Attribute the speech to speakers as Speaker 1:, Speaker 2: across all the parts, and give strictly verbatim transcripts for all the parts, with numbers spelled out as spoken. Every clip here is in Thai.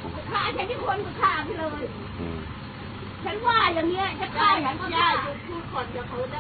Speaker 1: ฆ่าฉันที่คนก็ฆ่าไปเลยฉันว่าอย่างเงี้ยจะฆ่าฉันก็ได้พูดก่อนจะเขาได้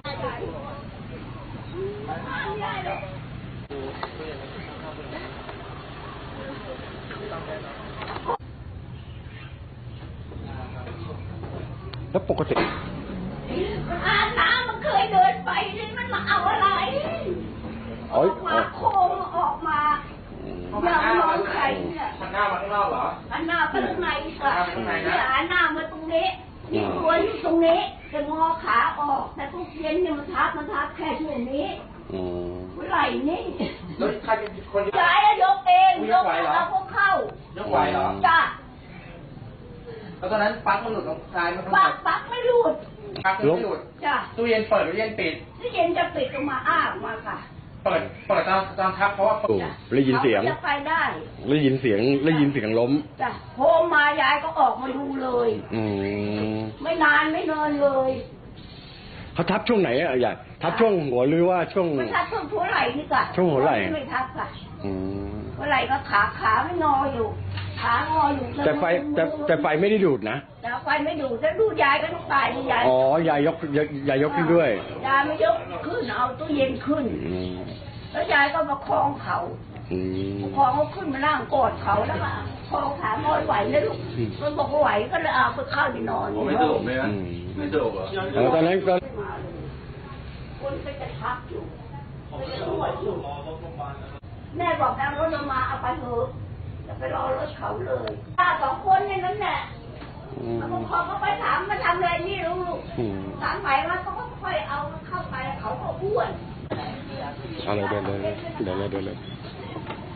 Speaker 2: แล้วปกติ
Speaker 1: อาน้ำมันเคยเดินไปนี่มันมาเอาอะไรออกมาโค้งออกมาอย่ามองใครเนี่ย
Speaker 3: หันหน้ามาข้างนอกเหรอ
Speaker 1: หันหน้าไปข้างในค่ะเนี่ยหันหน้ามาตรงนี้นี่ตัวอยู่ตรงนี้จะงอขาออกแต่ทุกเย็นเนี่ยมันทับมันทับแค่ช่วงนี้เมื่อไหร่นี่
Speaker 3: แล้วใครเป็นคน
Speaker 1: ย้ายยกเองยกเอาพวกเข้าย
Speaker 3: กไหวเหรอ
Speaker 1: จ้า
Speaker 3: แล้วตอนนั้นปลั๊กมันหลุดตรงซ้ายมัน
Speaker 1: ปลั๊กปลั๊กไม่หลุด
Speaker 3: ปลั๊กไม่หลุด
Speaker 1: จ้า
Speaker 3: ตู้เย็นเปิดหรือเย็นปิด
Speaker 1: ตู้เย็นจะปิดออกมาอ้าออกมาค่ะ
Speaker 3: เปิดเปิดตอนตอนทับเพราะว่า
Speaker 2: ได้ยินเสียง
Speaker 1: จะไปได้
Speaker 2: ได้ยินเสียงได้ยินเสียงล้ม
Speaker 1: จ้ะโฮมมายายก็ออกมาดูเลย
Speaker 2: อืม
Speaker 1: ไม่นานไม่นอนเลย
Speaker 2: เขาทับช่วงไหนอะยายทับช่วงหัวหรือว่าช่วง
Speaker 1: มันทับช่วงหัวไหล่นี่ก่ะ
Speaker 2: ช่วงหัวไหล่
Speaker 1: ไม่ทับค่ะ
Speaker 2: อืม
Speaker 1: หัวไหล่ก็ขาขาไม่งออยู่ขางออยู่
Speaker 2: แต่ไฟแต่แต่ไฟไม่ได้ดูดนะ
Speaker 1: แต่ไฟไม่ดูดจะดูยายก็ต้องตายยาย
Speaker 2: อ๋อยายยกยายยกขึ้นด้วย
Speaker 1: ยายไม่ยกขึ้นเอาตู้เย็นขึ้นแล้วยายก็มาคล้องเขาคล้องเขาขึ้นมานั่งกอดเขาแล้วก็คล้องขางอยไหวนะลูกมันบอกว่าไหวก็เลยเอาไปเข้าไปนอน
Speaker 3: ไม่สะดวกไหมฮะไม่สะดวกเหรอ
Speaker 2: ตอนนั้นก็
Speaker 1: คนไปจะทับอยู่ไปจะนวดอยู่แม่บอกเอารถมาเอาไปเถอะจะไปรอรถเขาเลยป้าสองคนในนั้นแหละพอเขาไปถามมาทำอะไรนี่ลูกถามไปว่าเขาก็ค่อยเอาเข้าไปเขาก็อ้วน
Speaker 2: เอาเลยเดินเลยเดินเลยเดินเลย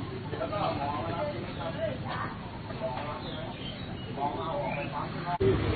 Speaker 1: เ